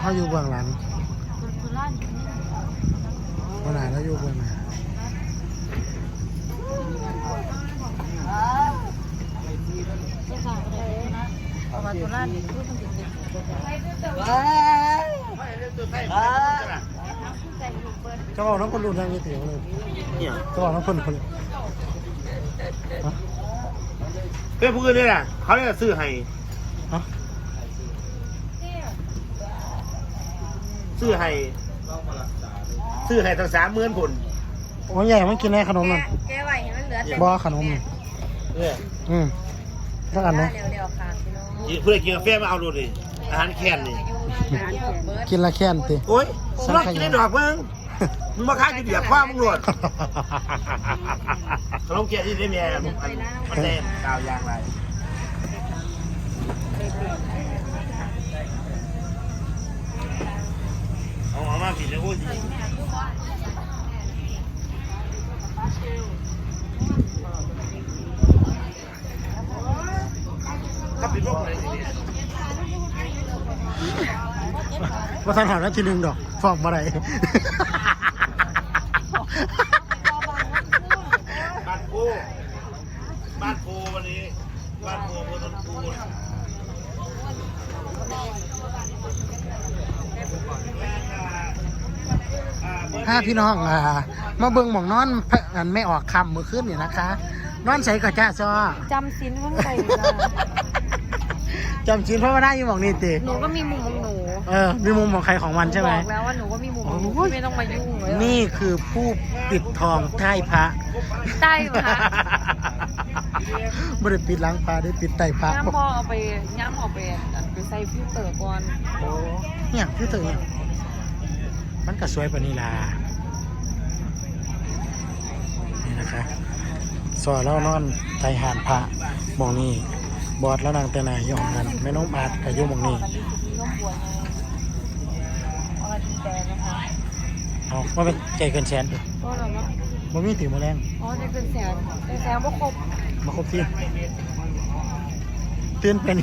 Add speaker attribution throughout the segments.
Speaker 1: เขาอยู่เบื้องหลังหัวหน้าเราอยู่เบื้องหน้าจะบอกน้องคนรุ่นยังยี่ติ๋วเลยจะบอกน้องคน
Speaker 2: เพื่อนผู้อื่นเนี่ยนะเขาเนี่ยซื้อให้ซื้อให้ทั้ง30,000 คน
Speaker 1: โอ้ยใหญ่มันกินในขนมนั่น
Speaker 3: แกไหวเห็นมันเหลือแต่
Speaker 1: บ่ขนมนี่สักอันไหม
Speaker 3: เร็วๆค่ะพี่น้อง
Speaker 2: เพื่อนกินกาแฟมาเอาดูดิอาหารแค้นนี่
Speaker 1: กินละแค่นติ
Speaker 2: โอ้ยมึงลองกินได้ดอกมึงมาค้ากินเบียร์คว้ามึงหลดขนมเกี๊ยวที่ได้แม่มันแน่กาวยางไรเอามาผิดเลยโอ้ยถ้าปิดโลกอะไรเนี่ย
Speaker 1: ว่าท่านหาได้ทีหนึ่งดอกฟอกมาได้
Speaker 2: บ้านโพวันนี้บ้านโพเมืองต้นคู
Speaker 1: ถ้าพี่น้องมาเบิ่งหมองนอนอันไม่ออกคำมือขึ้นเนี่ยนะคะนอนใส่กระจ้าซอ
Speaker 3: จำสินข้างใน
Speaker 1: จำชิ้นเพราะว่าได้อยู่หมองนี่ติ
Speaker 3: หนูก็มีมุมของหนู
Speaker 1: มีมุมของใครของมันใช่ไหม
Speaker 3: บอกแล้วว่าหนูก็มีมุมของหนูไม่ต้องมายุ่งเลย
Speaker 1: นี่คือผู้ปิดทองใต้พระ
Speaker 3: ใต้พระ
Speaker 1: ไม่ได้ปิดหลังพระได้ปิดใต้พระ
Speaker 3: ย่ำพอเอาไปใส่ฟิลเตอร์ก่อน
Speaker 1: โอ้เนี่ยฟิลเตอร์เนี่ยมันก็สวยปะนี่ล่ะนี่นะคะสอแล้วนอนไทยหานพระมองนี่บอดแล้วนางแต่นายย่องกันแม่น้องอาดกับยุ่มองนี่เอาว่าเป็นใจเกินแสนดิ
Speaker 3: ก็หรอมั้ง
Speaker 1: มันมีติ๋วมาแรง
Speaker 3: ใจเกินแสนว่าครบ
Speaker 1: มาครบที่ตื่นเป็น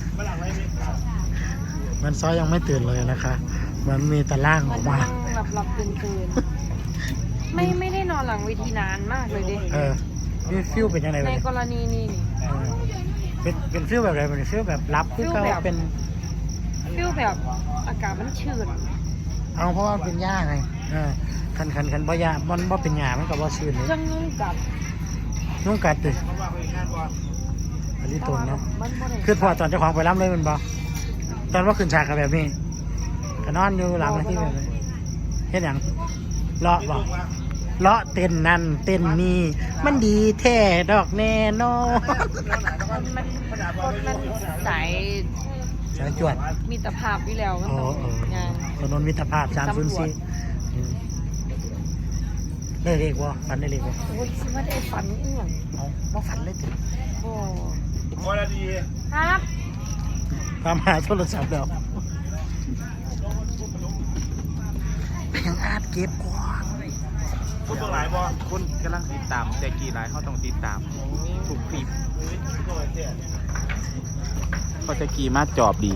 Speaker 1: มันซ้อยยังไม่ตื่นเลยนะคะมันมีตะล่างออกมา
Speaker 3: หลับตื่นไม่ได้นอนหลังเวทีนานมากเลยดิ
Speaker 1: นี่ฟิลเป็นยังไง
Speaker 3: ในกรณีนี้
Speaker 1: เป็นฟิลแบบอะไรเป็นฟิลแบบรับฟิลแบบเป็น
Speaker 3: ฟิลแบบอากาศมันชื้น
Speaker 1: เอาเพราะว่าเป็นหญ้าไงคันบ่หญ้ามันบ่เป็นหญ้ามันก็บ่ชื้นเลย
Speaker 3: จัง
Speaker 1: นุ่งกัดติอันนี้ตุ่นเนาะคือพอตอนเจ้าของไปรับเลยมันบ่ตอนว่าขึ้นฉากกับแบบนี้ก็นอนอยู่หลังที่แบบนี้เห็นอย่างเลาะบ่เลาะเต้นนั่นเต้นนี่มันดีแท้ดอกแน่นอน
Speaker 3: มันสาย
Speaker 1: จวด
Speaker 3: มิตรภาพวิแล้วมันต้อง
Speaker 1: ถนนมิตรภาพ304ได้เรียกว่าฝันได้เรียกว่า
Speaker 3: โอ้ยไม่ได้ฝันอีหยัง
Speaker 1: ว่าฝันเลยถึง
Speaker 3: โอ้
Speaker 2: พอแล้วดี
Speaker 3: ครับ
Speaker 1: ตามหาโทรศัพท์แล้วเพียงอาดเก็บกว่า
Speaker 2: คุณตัวหลายบอ
Speaker 4: คุณกำลังติดตามแต่กี่หลายเขาต้องติดตามถูกคลิปเขาจะกี่มาจอบดี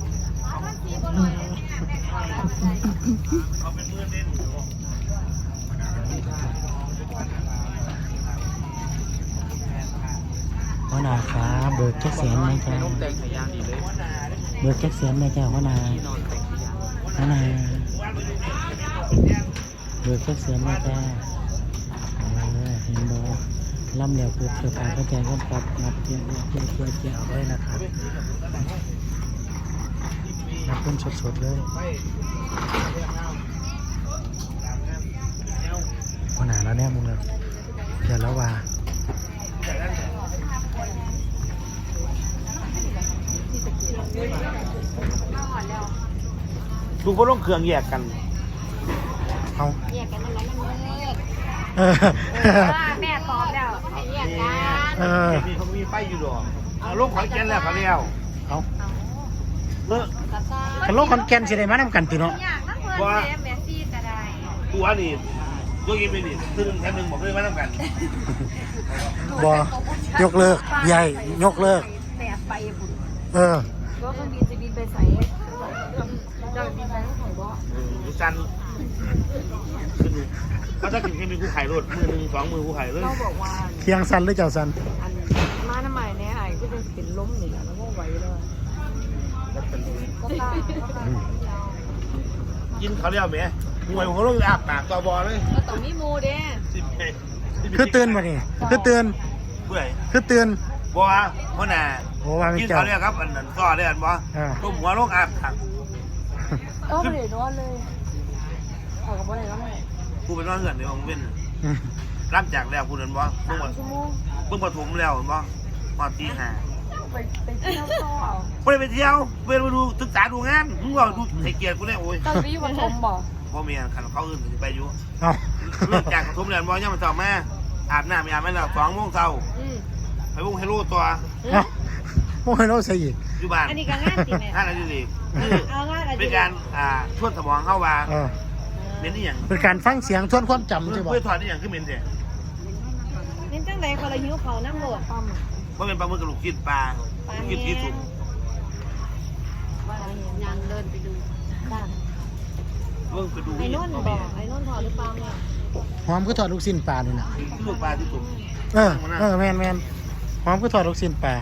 Speaker 1: หัวหน้าครับเบิกแจ็คเสียนไหมจ๊ะเบิกแจ็คเสียนไหมจ๊ะหัวหน้าเบิกแจ็คเสียนไหมจ๊ะเห็นบ่ล่ำเหลียวปุ๊บเกิดการเข้าใจกันปรับนับเกี่ยวเอาไว้นะครับนับเป็นสดๆเลยหัวหน้าแล้วเนี่ยมึงเลยเดี๋ยวแล้วว่า
Speaker 2: ดูพวกต้องเครื่องแยกกัน
Speaker 1: เอา
Speaker 3: แยกกันมันแม่ตอบแล้วแยก
Speaker 2: กันมีไฟอยู่หรอลูกขอนแก่นแล้วเขาเลี้ยว
Speaker 1: กันโลกคอนแก่นสิได้มานำกันติเนาะ
Speaker 2: ว่าตัวนี่ตัวกินไปนี่ซึ่งแค่นึงบอกเลยมานำกัน
Speaker 1: บ่ยกเลิกใหญ่ยกเลิก
Speaker 3: แต่ไปบุญ
Speaker 1: ก็
Speaker 3: เครื่องบินจะบินไปใส่จะมีแบงค์ของบ่
Speaker 2: ดูจันเขาจะกินแค่มีคู่ไข่รถมือหนึ่ง2 มือคู่ไข่เลย
Speaker 3: เราบอกว่า
Speaker 1: เคียงสันหรือเจ้าสัน
Speaker 3: อันมาทำไมเนี่ยไอ้ก็จะเป็นล้มนี่แหละแล้วก็ไหวเลยก็ตาย
Speaker 2: ยินเขาเรียกไหมมวยของเขาต้องอาบปากตัวบอเลย
Speaker 3: ก็ต้องมีมูเด้
Speaker 1: คือเตือนบ่นี่คือเตือน
Speaker 2: เพื่อ
Speaker 1: คือเตือน
Speaker 2: บอเพราะน่ะ
Speaker 1: โอ้ว่าไม่
Speaker 2: กิน
Speaker 1: เจ้า
Speaker 2: เขาเรียกครับอันนั้นซอได้อันบอต้มหัวลงอาบปาก
Speaker 3: ก็ไม่ได้นอนเลยออกกับบ่ได้แล้วไง
Speaker 2: กูเป็นว่าเหือนในองเว้นรับจากแล้วกูนั่นบอเพิ่ง
Speaker 3: ชั่วโมง
Speaker 2: ปฐมแล้วบอมาตี5
Speaker 3: ไปเที่ยวต่อเอา
Speaker 2: ไม่ได้ไปเที่ยวไปดูศึกษาดูงานมึงบอกดูให้เกียรติกูเนี่ยโอ้ย
Speaker 3: ตอนไปอยู่ปฐมบ่
Speaker 2: พ่อเมียขันเขาอื่นไปอยู่
Speaker 1: เอา
Speaker 2: เลิกจากปฐมแล้วบอย่ามาสอบมาอาบน้ำไม่อาบไม่แล้ว2 โมงเช้า
Speaker 3: อืม
Speaker 2: ไปวงเฮโร่ตัว
Speaker 1: เอาโอ้ยเราใส่อีก
Speaker 2: อยู่บ้าน
Speaker 3: อันนี้ก็งานติแม่
Speaker 2: งานอะไรดีคือ
Speaker 3: เอางานอะไร
Speaker 2: เป็นการชวนสมองเข้าว่า
Speaker 1: เออ
Speaker 2: เม้นนี่อย่าง
Speaker 1: เป็นการฟังเสียงทวนความจำใช่บ่
Speaker 2: เพื่อถอดนี่อย่างคือเม้นเดีย
Speaker 3: เน้นจังใดคนละหิวเขานั่งโหลดปั๊ม
Speaker 2: ว่าเป็นปลาหมึกกับลูกชิ้นปลาลูกชิ้นที่สุก
Speaker 3: ยังเดินไปดูด้าน
Speaker 2: เรื่องไปดู
Speaker 3: ไอ้นนท์บอกไอ้นนท์ถอดหรือเปล่าเนี่ย
Speaker 1: หอมก็ถอดลูกชิ้นปลานี่น่ะ
Speaker 2: ลูกปลาที่สุก
Speaker 1: แม่นหอมก็ถอดลูกชิ้นปลา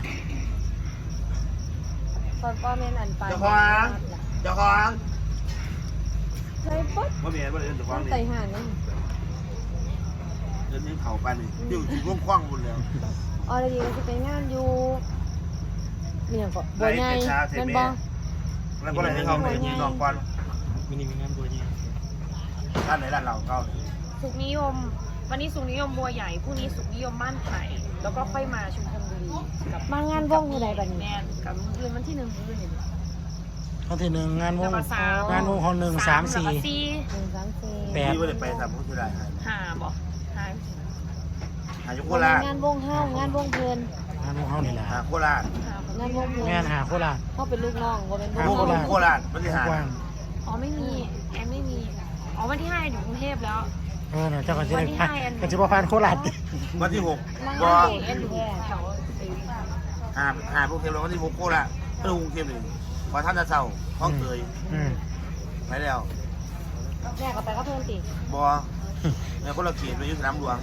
Speaker 3: ตอนป้าเมนอันไป
Speaker 2: เจ้าของ
Speaker 3: ใช่ปุ๊บ
Speaker 2: ว่าเมียว่าเดินเจ้าของ
Speaker 3: ต้อง
Speaker 2: นี่
Speaker 3: ใส่ห่านนี่
Speaker 2: เดินนี่เผาปลานี่ที่อยู่ร่วงคว้างหมดแล้ว
Speaker 3: ออเดียจะไปงานอยู่เนี่ยก็บัวใหญ่นั่นบ่
Speaker 2: แล้วก็เลยให้เขาเนี่ยนอนควัน
Speaker 4: มินิมีงานบัวเนี่ย
Speaker 2: ด้านไหนด้านเราเก้า
Speaker 3: สุขนิยม วันนี้สุขนิยมบัวใหญ่พรุ่งนี้สุขนิยมบ้านไผ่แล้วก็ค่อยมาชุมพลบุรีกับมางานวงที่ใดบัดนี้แม่กับเดือนวันที่1เดือน
Speaker 1: วันที่1งานวง
Speaker 3: แล้วก็สาว
Speaker 1: งานวงของ1 3
Speaker 3: แล้วก็
Speaker 1: 4
Speaker 3: 4
Speaker 1: แปด
Speaker 2: ที่ว่าจะไปทำพุทธได้
Speaker 3: 5บ่5
Speaker 2: หายุโคราช
Speaker 3: งานวงเฮางานวงเพลิน
Speaker 1: งานวงเฮานี่แหละ
Speaker 2: หาโคราช
Speaker 3: งานวงเพลิน
Speaker 1: แม่นหาโคราช
Speaker 3: เขาเป็นลูกน้องบ่เป็น
Speaker 2: ลู
Speaker 3: ลู
Speaker 2: ก
Speaker 3: กน้อง
Speaker 2: โคราชมันที่หาก
Speaker 1: ว้าง
Speaker 3: อ๋อไม่มีแอนไม่มีอ๋อวันที่5อยู่กรุงเทพแล้ว
Speaker 1: เนี่ยเจ้าก็จะ
Speaker 3: วั
Speaker 1: ได้
Speaker 3: นที่
Speaker 1: ผ่าน
Speaker 3: 5แอน
Speaker 1: ก็จะบ่ผ่านโคราช
Speaker 2: วันที่ 6
Speaker 3: นั่ง
Speaker 2: ก็
Speaker 3: เด็กแอนอยู่แถว
Speaker 2: หาพวกเทมแล้ววันที่6โคราชกรุงเทพหนึ่งพอท่านจะเศร้าห้องเตย
Speaker 1: อืม
Speaker 2: ไปแล้ว
Speaker 3: แม่ก็ไปก็เพิ่มติ
Speaker 2: บอแม่คนละเขียนไปอยุสนามหลวง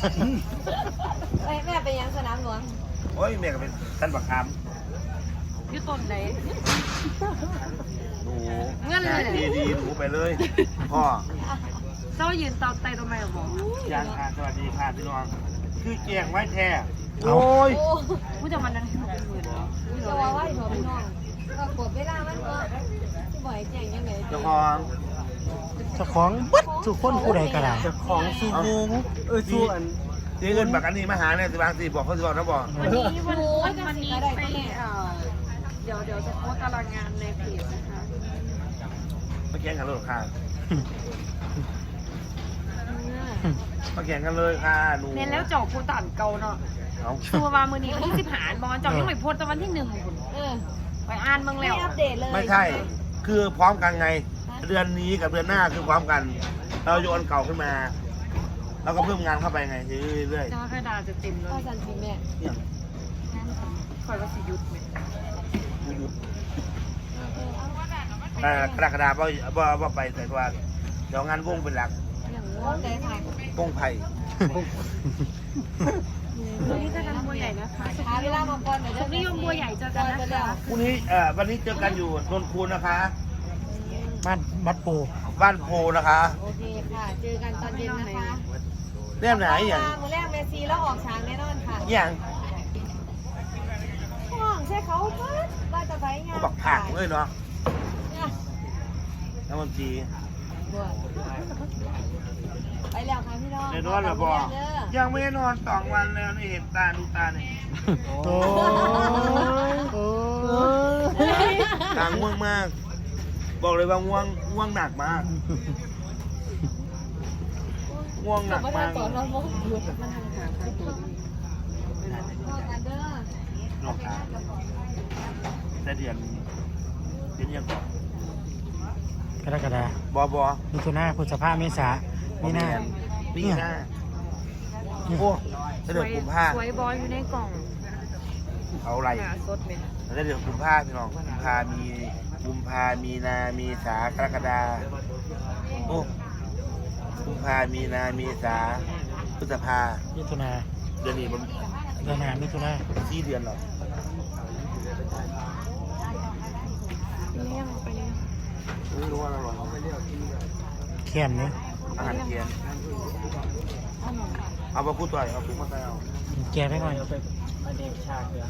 Speaker 3: แม่ไปยังสนามหลวง
Speaker 2: โอ้ยแม่ก็เป็นท่านบักค
Speaker 3: อยู่ต้นไหน
Speaker 2: ำหนู
Speaker 3: เงื่อนเลย
Speaker 2: ดีหนูไปเลยพ่อ
Speaker 3: เจ้ายืนตอนไตทำไมบอก
Speaker 2: ยางค่ะสวัสดีค่ะพี่น้องคือแจงไว้แท้
Speaker 1: เอา
Speaker 2: โอ้ย
Speaker 3: ผู้จะมันนั้นคือเป็นหมื่นเหรอจะว่าว่าหัวพี่น้องก็กดเวลามันก็ที่บ่อยแจ้งยังไง
Speaker 2: เจ้าของ
Speaker 1: เจ้าของเบิดทุกคนผู้ใดก็ได้
Speaker 2: ของสูงสู้อันที่เงินบักอันนี้มาหาเนี่ยสิบางสิบอกเขาสิบอกนะบอก
Speaker 3: วันนี้วันนี้ไปเดี๋ยวจะโพสตารางงานในเพจนะคะ
Speaker 2: มาแข่งกันเลยค่ะมาแข่งกันเลยค่ะหนู
Speaker 3: เน้นแล้วจบโพสต์อ่านเก่าเนาะ
Speaker 2: เอา
Speaker 3: ตัวมามือนี้วันที่10บอลจบยังไม่โพสต์ตอนวันที่1ไปอ่านเมืองแล้วอัปเดตเลย
Speaker 2: ไม่ใช่ คือพร้อมกันไง เดือนนี้กับเดือนหน้าคือพร้อมกัน เราโยนเก่าขึ้นมา แล้วก็เพิ่มงานเข้าไปไงเรื่อย
Speaker 3: จ้าคดาจะเต็มเลยจันทีแม่
Speaker 2: ๆเนี่ย
Speaker 3: คอยว่าสิยุดไหม
Speaker 2: หยุดกระดาษว่าไปแต่ว่าเดี๋ยวงานวงเป็นหลัก
Speaker 3: อย่างง้อใจค่ะ
Speaker 2: วงไผ่
Speaker 3: วันนี้จะกันบัวใหญ่นะคะหาเวลามาก่อนหน่อยสุขนิยมบัวใหญ่เจอกันนะคะ
Speaker 2: พรุ่งนี้วันนี้เจอกันอยู่นนคูนนะคะ
Speaker 1: บ้านบัดโป
Speaker 2: บ้านโพนะคะ
Speaker 3: โอเคค่ะเจอกันตอนเย็นนะคะ
Speaker 2: เรื่องไหนอย่าง
Speaker 3: มือแรกเมซีแล้วออกฉากแน่นอนค่ะ
Speaker 2: อย่าง
Speaker 3: ห้องใช่เขาเพิ่นว่าจะไปงาน
Speaker 2: บักผักเลยเนาะน้ำมันจี
Speaker 3: ไปแล้วค่ะพี่น้อง
Speaker 2: ในนอนหรือบ่ยังไม่ได้นอน2 วันแล้วนี่เห็นตาดูตาเนี่ย
Speaker 1: โอ้ย
Speaker 2: ตาง่วงมาก บอกเลยว่าง่วงหนักมากง่วงหนักมาก
Speaker 3: ต่อเราโมกหยุดมันทางหาใครตัวพ่อกันเด้อ
Speaker 2: นอกขาแต่เดือนยังก่อน
Speaker 1: กรกฎา
Speaker 2: บอ
Speaker 1: มิถุนาพฤษภาเมษามีนา
Speaker 2: ปีหน้าโอ้เดือนกุมภา
Speaker 3: สวยบอลอยู่ในกล่อง
Speaker 2: เอาเขาไล่
Speaker 3: หนาสดไหม
Speaker 2: แล้วเดือนกุมภาพี่น้องกุมภามีนามีสากรกฎาโอ้กุมภามีนามีสาพฤษภา
Speaker 1: มิถุนา
Speaker 2: เดือนนี้มัน
Speaker 1: เดือนหน้ามิถุนา
Speaker 2: 4 เดือนหรอก
Speaker 3: เลี้ยงไปเลย
Speaker 2: ไม่รู้ว่าอร่อย
Speaker 1: แค้นเนี่ย
Speaker 2: อาหารเทียนเอาไปพูดต่อยเอาพูดมาใส่เอา
Speaker 1: แกได้หน่อย
Speaker 4: อเนกชาติเหรอ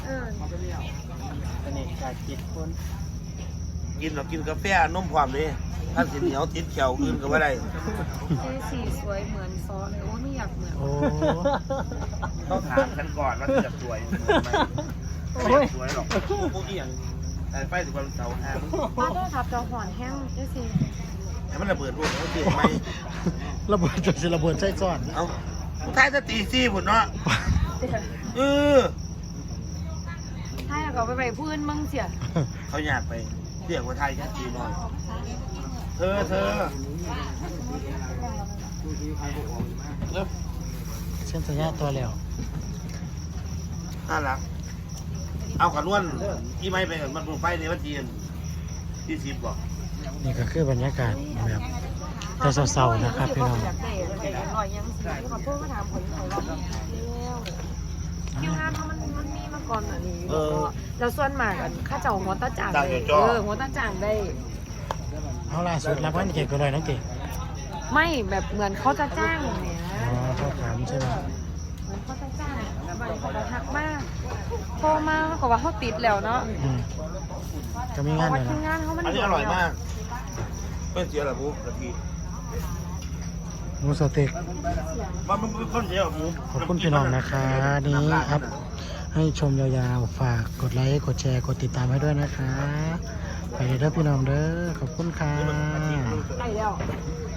Speaker 4: อเนกชาติคิดคน
Speaker 2: กินเรากินกาแฟนมความเลยถ้าสิเหนียวติดเขียวอื่นก็ไม่ได้
Speaker 3: เจ๊สีสวยเหมือนซอเลยโอ้ไม่อยากเหมือน
Speaker 1: โอ้
Speaker 2: ต้องถามกันก่อนว่าจะสวยไหมไม่สวยหรอกพวกเอียงแต่ไฟถึงวันเสาร์ห้า
Speaker 3: ป้าได้ครับจอหอนแห้งเจ๊สี
Speaker 2: แต่มันระเบิดรูปเขาเสียไหม
Speaker 1: ระเบิดจะสิระเบิดใจซ้อน
Speaker 2: เอาท้ายจะตีซี่ผุนเนาะเออ
Speaker 3: ถ้าอยากเอาไปพื้นมึงเสีย
Speaker 2: เขาอยากไปเรียกว่าไทยแค่ตีน้อยเธอเริ่ม
Speaker 1: เส้นสัญญาตัวแล้ว
Speaker 2: น่ารักเอาขันล้วนที่ไม่ไปกับมันไฟในวันจีนที่10บอก
Speaker 1: นี่ก็คือบรรยากาศแบบแต่เศร้าๆนะครับพี่น้อง
Speaker 3: อยากเตะลอยยังสีขอโทษมาถามผลของเราคิวงานมันมีมาก่อนอันนี้แล้วส่วนมากข้าเจ้าหัวตาจ่างได้หัวตาจ่างได้
Speaker 1: เอาล่าสุดรับวันเก่งก็เลยน้องเก่ง
Speaker 3: ไม่แบบเหมือนเขาจะจ้างเนี่ย
Speaker 1: อ๋อเขาถามใช่ไหม
Speaker 3: เหมือนเขาจะจ้างบางคนทักมากโทรมาเขาบอกว่าเขาติดแล้วเนาะ
Speaker 1: อืมก็มีงาน
Speaker 3: วั
Speaker 1: เล
Speaker 3: ด
Speaker 1: ย
Speaker 3: ที่
Speaker 1: นะ
Speaker 3: งานเขามัน
Speaker 2: อันนี้อร่อยมากไม่เสียหรอหมูกะทิ
Speaker 1: หมูสเต็ก
Speaker 2: มันเป็นคนเสียหรอหมู
Speaker 1: ขอบคุณพี่น้องนะคะนี้ครับให้ชมยาวๆฝากกดไลค์กดแชร์กดติดตามให้ด้วยนะคะไปเลยเด้อพี่น้องเด้อขอบคุณค่ะ
Speaker 3: ไปแล้ว
Speaker 2: เ